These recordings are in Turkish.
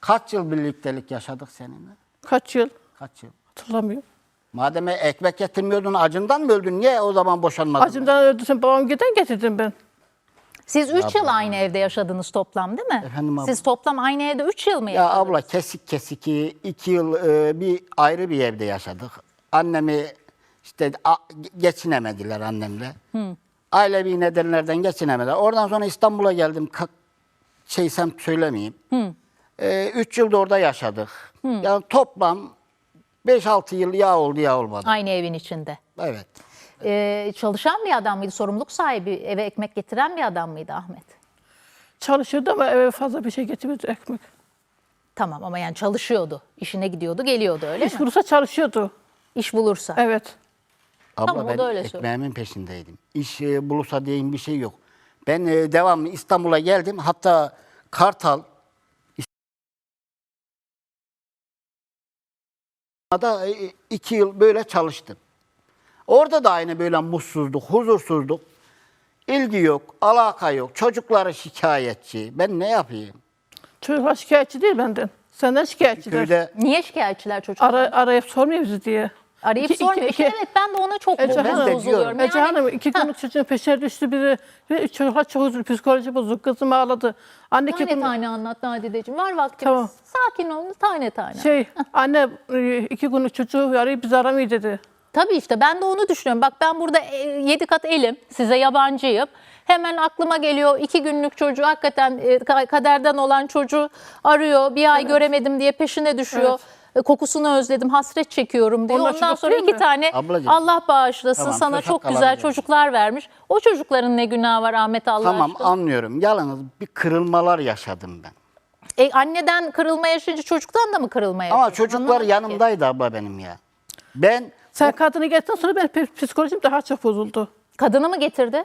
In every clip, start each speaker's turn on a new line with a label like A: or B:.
A: Kaç yıl birliktelik yaşadık seninle?
B: Kaç yıl?
A: Kaç yıl?
B: Hatırlamıyorum.
A: Madem ekmek getirmiyordun, acından mı öldün? Niye o zaman boşanmadın?
B: Acımdan öldürsün, babam giden getirdim ben.
C: Siz 3 yıl aynı evde yaşadınız toplam değil mi?
A: Efendim abla?
C: Siz toplam aynı evde 3 yıl mı
A: Ya
C: yaşadınız?
A: abla kesik kesik 2 yıl bir ayrı bir evde yaşadık. Annemi işte geçinemediler annemle. Ailevi nedenlerden geçinemediler. Oradan sonra İstanbul'a geldim. Şeysem söylemeyeyim. 3 yılda orada yaşadık. Yani toplam 5-6 yıl ya oldu ya olmadı.
C: Aynı evin içinde.
A: Evet.
C: Çalışan bir adam mıydı? Sorumluluk sahibi, eve ekmek getiren bir adam mıydı Ahmet?
B: Çalışıyordu ama eve fazla bir şey getirmedi, ekmek.
C: Tamam ama yani çalışıyordu. İşine gidiyordu, geliyordu öyle
B: İş
C: mi?
B: bulursa çalışıyordu.
C: İş bulursa.
B: Evet.
A: Abla
C: Tamam, o
A: ben
C: da öyle söylüyor.
A: ekmeğimin peşindeydim. İş bulursa diyeyim bir şey yok. Ben devamlı İstanbul'a geldim. Hatta Kartal da 2 yıl böyle çalıştım. Orada da aynı böyle mutsuzluk, huzursuzluk. İlgi yok, alaka yok. Çocukları şikayetçi. Ben ne yapayım?
B: Çocuklar şikayetçi değil benden. Senden şikayetçiler.
A: Köyde
C: Niye şikayetçiler çocuklar?
B: Arayıp sormuyor bizi diye.
C: Arayıp
B: İki-
C: sormuyor.
B: iki-
C: Evet ben de ona çok
B: Ece Hanım,
C: bozuluyorum.
B: Ece Hanım 2 günlük çocuğun peşine düştü biri. Ve çocuklar çok üzüldü, psikoloji bozuk. Kızım ağladı. Anne
C: Tane
B: kim?
C: tane anlat Nadideciğim. Var vaktimiz.
B: Tamam.
C: Sakin olun tane tane.
B: Anne 2 günlük çocuğu arayıp bizi aramıyor dedi.
C: Tabii işte ben de onu düşünüyorum. Bak ben burada 7 kat elim, size yabancıyım. Hemen aklıma geliyor 2 günlük çocuğu hakikaten kaderden olan çocuğu arıyor. Bir ay göremedim diye peşine düşüyor. Kokusunu özledim, hasret çekiyorum diyor.
B: Onlar
C: Ondan
B: çocuk
C: sonra
B: değil
C: 2
B: mi?
C: tane
A: Ablacığım.
C: Allah bağışlasın
A: Tamam,
C: sana
A: söz
C: çok
A: hakkı
C: güzel
A: alabilirim.
C: çocuklar vermiş. O çocukların ne günahı var Ahmet Allah
A: tamam
C: aşkına?
A: anlıyorum. Yalnız bir kırılmalar yaşadım ben.
C: Anneden kırılma yaşayınca çocuktan da mı kırılma yaşadın?
A: Ama çocuklar
C: Anlamadım ki.
A: yanımdaydı abla benim ya. Ben
B: Sen kadını getirdikten sonra benim psikolojim daha çok bozuldu.
C: Kadını mı getirdi?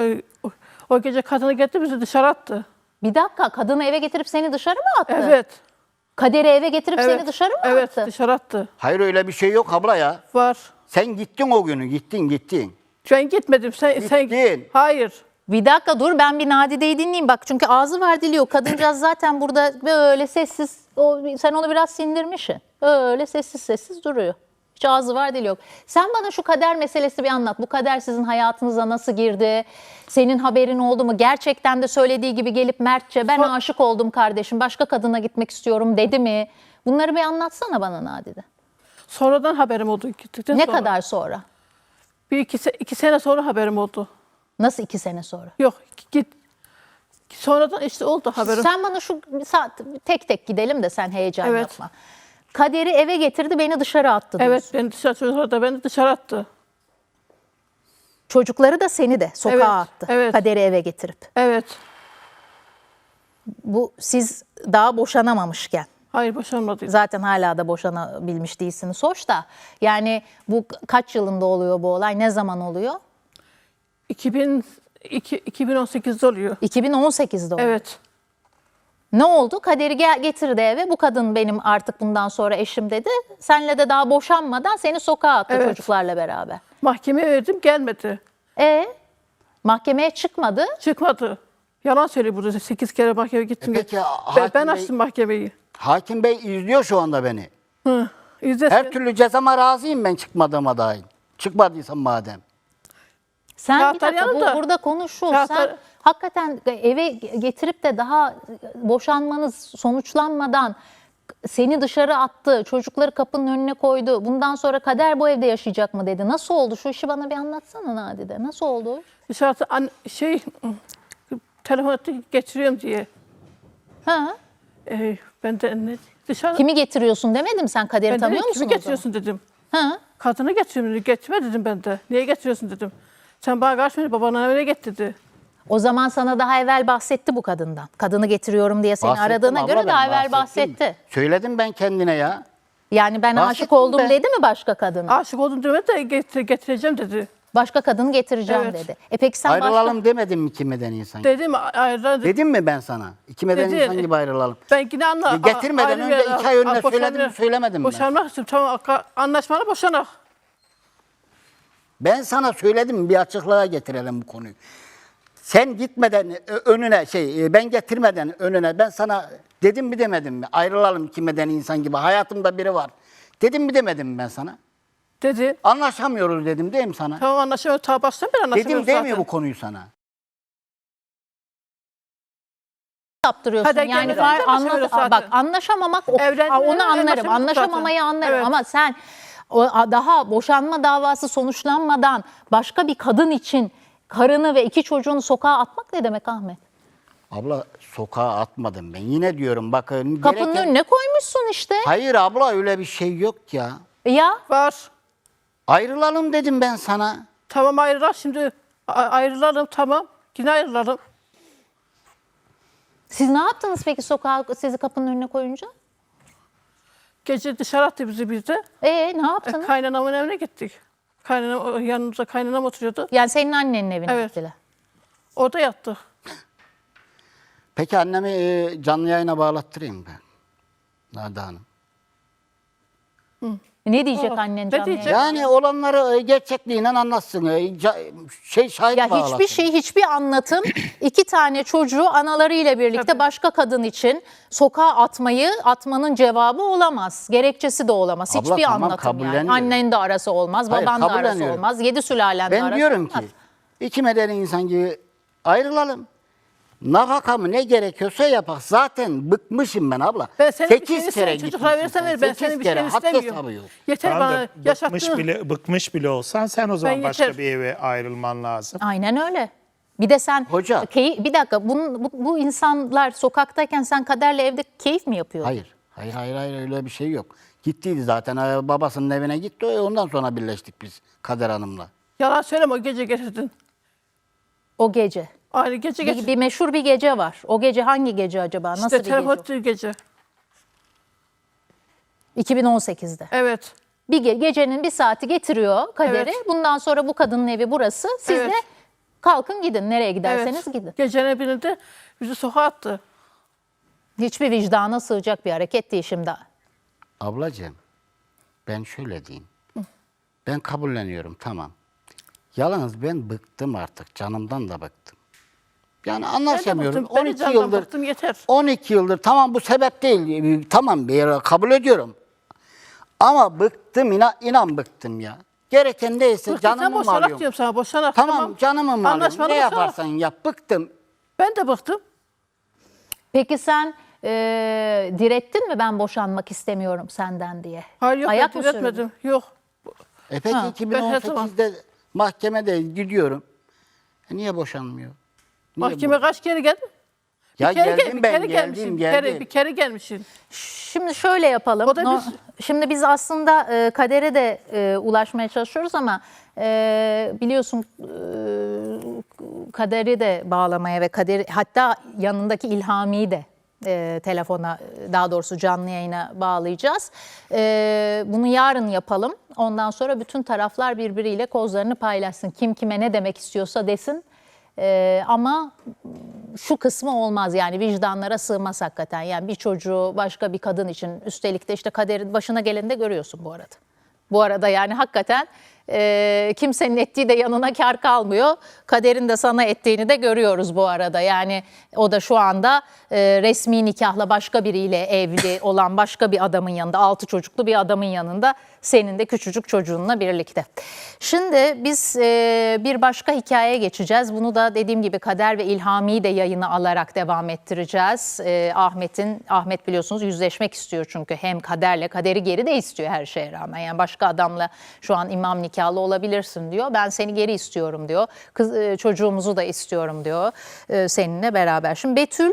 B: O gece kadını getirdi bizi dışarı attı.
C: Bir dakika kadını eve getirip seni dışarı mı attı?
B: Evet.
C: Kader'i eve getirip
B: Evet.
C: seni dışarı mı
B: Evet
C: attı?
B: dışarı attı.
A: hayır öyle bir şey yok abla ya.
B: Var.
A: Sen gittin o günü gittin.
B: Ben gitmedim. Sen
A: Gittin.
B: Hayır.
C: Bir dakika dur ben bir Nadide'yi dinleyeyim. Bak çünkü ağzı var dili yok. Kadıncağız zaten burada böyle sessiz. Sen onu biraz sindirmişsin. Öyle sessiz sessiz duruyor. Hiç ağzı var dili yok. Sen bana şu kader meselesi bir anlat. Bu kader sizin hayatınıza nasıl girdi? Senin haberin oldu mu? Gerçekten de söylediği gibi gelip mertçe ben aşık oldum kardeşim. Başka kadına gitmek istiyorum dedi mi? Bunları bir anlatsana bana Nadide.
B: Sonradan haberim oldu. Gittikten
C: Ne
B: sonra.
C: kadar sonra?
B: Bir iki sene sonra haberim oldu.
C: Nasıl 2 sene sonra?
B: Yok git. Sonradan işte oldu haberim.
C: Sen bana şu saat tek tek gidelim de sen heyecan
B: Evet.
C: yapma. Kader'i eve getirdi beni dışarı attı diyorsun.
B: Evet çocuklar da beni dışarı attı.
C: Çocukları da seni de sokağa
B: Evet,
C: attı.
B: evet.
C: Kader'i eve getirip.
B: Evet.
C: Bu siz daha boşanamamışken.
B: Hayır boşanmadı.
C: Zaten hala da boşanabilmiş değilsiniz. Hoş da yani bu kaç yılında oluyor bu olay? Ne zaman oluyor?
B: 2018'de oluyor.
C: 2018'de oluyor.
B: Evet.
C: Ne oldu? Kader'i getirdi eve. Bu kadın benim artık bundan sonra eşim dedi. Senle de daha boşanmadan seni sokağa attı
B: Evet.
C: çocuklarla beraber.
B: Mahkemeye verdim gelmedi.
C: Mahkemeye çıkmadı.
B: Çıkmadı. Yalan söylüyor burada. 8 kere mahkemeye gittim.
A: Peki,
B: Ben
A: hakim bey-
B: açtım mahkemeyi.
A: Hakim Bey izliyor şu anda beni.
B: İzlesin.
A: Her türlü cezama razıyım ben çıkmadığıma dair. Çıkmadıysam madem.
C: Sen bir
B: Kağıtlar
C: dakika
B: yanımda.
C: burada konuşul.
B: Kağıtlar-
C: Sen hakikaten eve getirip de daha boşanmanız sonuçlanmadan seni dışarı attı, çocukları kapının önüne koydu. Bundan sonra Kader bu evde yaşayacak mı dedi. Nasıl oldu? Şu işi bana bir anlatsana Nadide. Nasıl oldu?
B: Dışarıda telefon etti getiriyorum diye.
C: Ha?
B: Ben de ne dışarı
C: Kimi getiriyorsun demedim sen Kader'i
B: ben de
C: tanıyor musun
B: kimi
C: o zaman?
B: getiriyorsun dedim.
C: Ha?
B: Kadını getiriyorum dedi. Getirme dedim ben de. Niye getiriyorsun dedim. Sen bana karşı babana öyle get dedi.
C: O zaman sana daha evvel bahsetti bu kadından. Kadını getiriyorum diye seni
A: Bahsettim
C: aradığına
A: abla,
C: göre
A: ben
C: daha evvel
A: bahsettim.
C: bahsetti.
A: Söyledim ben kendine ya.
C: Yani ben aşık
A: Bahsettim
C: oldum
A: ben.
C: dedi mi başka kadına?
B: Aşık oldum demedi de getireceğim dedi.
C: Başka kadını getireceğim
B: Evet.
C: dedi. Peki sen
A: Ayrılalım demedim mi iki medeni insan?
B: Dedim ayrılan
A: Dedim mi ben sana? İki medeni
B: Dedi.
A: insan gibi ayrılalım.
B: Ben yine
A: Getirmeden önce 2 ay önce söyledim mi söylemedim mi?
B: Boşanmak istiyorum. Tamam anlaşmalı boşanak.
A: Ben sana söyledim bir açıklığa getirelim bu konuyu. Sen gitmeden önüne ben getirmeden önüne ben sana dedim mi demedim mi? Ayrılalım ki medeni insan gibi. Hayatımda biri var. Dedim mi demedim mi ben sana?
B: Dedi.
A: Anlaşamıyoruz dedim değil mi sana?
B: Tamam anlaşamıyoruz. Ta baştan beri anlaşamıyoruz
A: Dedim değil
B: zaten.
A: mi bu konuyu sana?
C: Yaptırıyorsun.
B: Hadi
C: Yani
B: gelmeden önce anlaşamıyoruz zaten.
C: bak anlaşamamak
B: Evlendiğinde
C: onu anlarım.
B: anlaşamadık
C: Anlaşamamayı
B: zaten.
C: anlarım
B: Evet.
C: ama sen daha boşanma davası sonuçlanmadan başka bir kadın için karını ve 2 çocuğunu sokağa atmak ne demek Ahmet?
A: Abla sokağa atmadım ben. Yine diyorum bakın.
C: Kapının önüne koymuşsun işte.
A: Hayır abla öyle bir şey yok ya.
C: Ya
B: Var.
A: Ayrılalım dedim ben sana.
B: Tamam ayrılalım şimdi. Ayrılalım tamam. Yine ayrılalım.
C: siz ne yaptınız peki sokağa sizi kapının önüne koyunca?
B: Gece dışarı attı bizi bir de.
C: Ne yaptınız?
B: Kaynanamın evine gittik. Yanımızda kaynanam oturuyordu.
C: Yani senin annenin evine
B: Evet.
C: gittiler.
B: Orada yattık.
A: Peki annemi canlı yayına bağlattırayım ben. Nada Hanım.
C: Ne diyecek
B: Aa,
C: annen
B: ne
C: canlı
B: diyecek?
C: yayında?
A: Yani olanları gerçekliğiyle anlatsın. Şahit
C: Ya
A: bağlasın.
C: hiçbir anlatım 2 tane çocuğu analarıyla birlikte
B: Tabii.
C: başka kadın için sokağa atmanın cevabı olamaz. Gerekçesi de olamaz.
A: Abla,
C: Hiçbir
A: tamam,
C: anlatım yani.
A: kabulleniyorum.
C: Annen de arası olmaz,
A: Hayır,
C: baban da arası
A: kabulleniyorum.
C: olmaz, 7 sülalen de
A: Ben
C: arası
A: diyorum
C: olmaz.
A: ki iki medeni insan gibi ayrılalım. Nafaka mı ne gerekiyorsa yapak. Zaten bıkmışım ben abla.
B: Ben senin bir
A: 8
B: şeyini
A: kere
B: sen çocuklara
A: gitmişsin
B: verirsen
A: sen.
B: ver. Ben
A: 8
B: senin bir
A: kere
B: şeyini
A: haddi hesabı
B: istemiyorum.
A: yok.
B: Yeter
D: Tamam
B: bana
D: da
B: yaşattığın.
D: bıkmış bile olsan sen o zaman
B: Ben
D: başka
B: yeter.
D: bir eve ayrılman lazım.
C: Aynen öyle. Bir de sen
A: Hoca.
C: bir dakika bu insanlar sokaktayken sen Kader'le evde keyif mi yapıyordun?
A: Hayır öyle bir şey yok. Gittiydi zaten babasının evine gitti. Ondan sonra birleştik biz Kader Hanım'la.
B: Yalan söyleme o gece getirdin.
C: O gece.
B: Aynı gece getirdin.
C: Bir meşhur bir gece var. O gece hangi gece acaba? Nasıl
B: İşte
C: bir gece?
B: telefon
C: o?
B: ettiği gece.
C: 2018'de.
B: Evet.
C: Gecenin bir saati getiriyor Kader'i.
B: Evet.
C: Bundan sonra bu kadının evi burası. Siz
B: Evet.
C: de kalkın gidin. Nereye
B: Evet.
C: giderseniz gidin.
B: Gecenin birinde bizi sokağa attı.
C: Hiçbir vicdana sığacak bir hareket değil şimdi.
A: Ablacığım ben şöyle diyeyim. Ben kabulleniyorum tamam. Yalnız ben bıktım artık. Canımdan da bıktım. Yani anlaşamıyorum.
B: bıktım, ben de
A: 12
B: canımdan
A: yıldır.
B: bıktım, yeter.
A: 12 yıldır tamam bu sebep değil. Tamam bir yere kabul ediyorum. Ama bıktım inan bıktım ya. Gereken neyse
B: Bıktın sen
A: canımı mı
B: boşanak
A: alıyorum?
B: diyorum sana boşanak.
A: Tamam canımı mı alıyorum?
B: Anlaşmalı
A: Ne
B: boşanak.
A: yaparsan yap bıktım.
B: Ben de bıktım.
C: Peki sen direttin mi ben boşanmak istemiyorum senden diye?
B: Hayır yok
C: Ayak
B: ben
C: mı sürdün?
B: diretmedim. Yok.
A: Peki
C: Ha,
B: ben her zaman-
A: 2018'de mahkemede gidiyorum. Niye boşanmıyor? Niye
B: Mahkeme kaç kere geldi?
A: Ya
B: Bir kere
A: geldim ben,
B: gelmişsin.
A: geldim.
B: Bir kere gelmişsin.
C: Şimdi şöyle yapalım.
B: O da
C: Şimdi biz aslında Kader'e de ulaşmaya çalışıyoruz ama biliyorsun Kader'i de bağlamaya ve Kader hatta yanındaki İlhami'yi de telefona daha doğrusu canlı yayına bağlayacağız. Bunu yarın yapalım. Ondan sonra bütün taraflar birbiriyle kozlarını paylaşsın. Kim kime ne demek istiyorsa desin. Ama şu kısmı olmaz yani vicdanlara sığmaz hakikaten. Yani bir çocuğu başka bir kadın için üstelik de işte Kader'in başına geleni de görüyorsun bu arada. Bu arada yani hakikaten kimsenin ettiği de yanına kar kalmıyor. Kader'in de sana ettiğini de görüyoruz bu arada. Yani o da şu anda resmi nikahla başka biriyle evli olan başka bir adamın yanında, 6 çocuklu bir adamın yanında senin de küçücük çocuğunla birlikte. Şimdi biz bir başka hikayeye geçeceğiz. Bunu da dediğim gibi Kader ve İlhami'yi de yayına alarak devam ettireceğiz. Ahmet biliyorsunuz yüzleşmek istiyor çünkü hem Kader'i geri de istiyor her şeye rağmen. Yani başka adamla şu an imam nikahlı olabilirsin diyor. Ben seni geri istiyorum diyor. Çocuğumuzu da istiyorum diyor seninle beraber. Şimdi Betül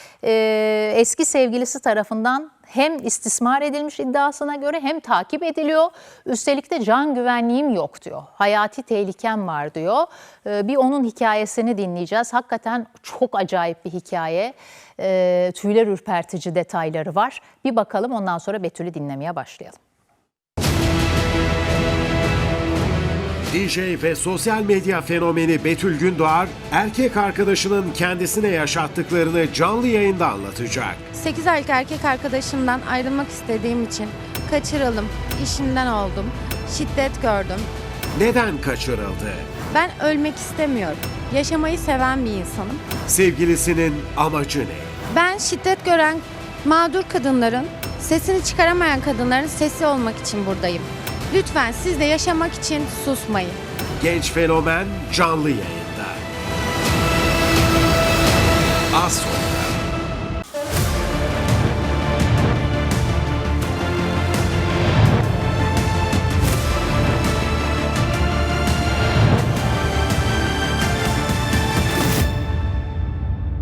C: eski sevgilisi tarafından hem istismar edilmiş iddiasına göre hem takip ediliyor. Üstelik de can güvenliğim yok diyor. Hayati tehlikem var diyor. Bir onun hikayesini dinleyeceğiz. Hakikaten çok acayip bir hikaye. Tüyler ürpertici detayları var. Bir bakalım ondan sonra Betül'ü dinlemeye başlayalım.
E: DJ ve sosyal medya fenomeni Betül Gündoğar, erkek arkadaşının kendisine yaşattıklarını canlı yayında anlatacak.
F: 8 aylık erkek arkadaşımdan ayrılmak istediğim için kaçırıldım, işinden oldum, şiddet gördüm.
E: Neden kaçırıldı?
F: Ben ölmek istemiyorum. Yaşamayı seven bir insanım.
E: Sevgilisinin amacı ne?
F: Ben şiddet gören mağdur kadınların, sesini çıkaramayan kadınların sesi olmak için buradayım. Lütfen siz de yaşamak için susmayın.
E: Genç fenomen canlı yayında. Az sonra.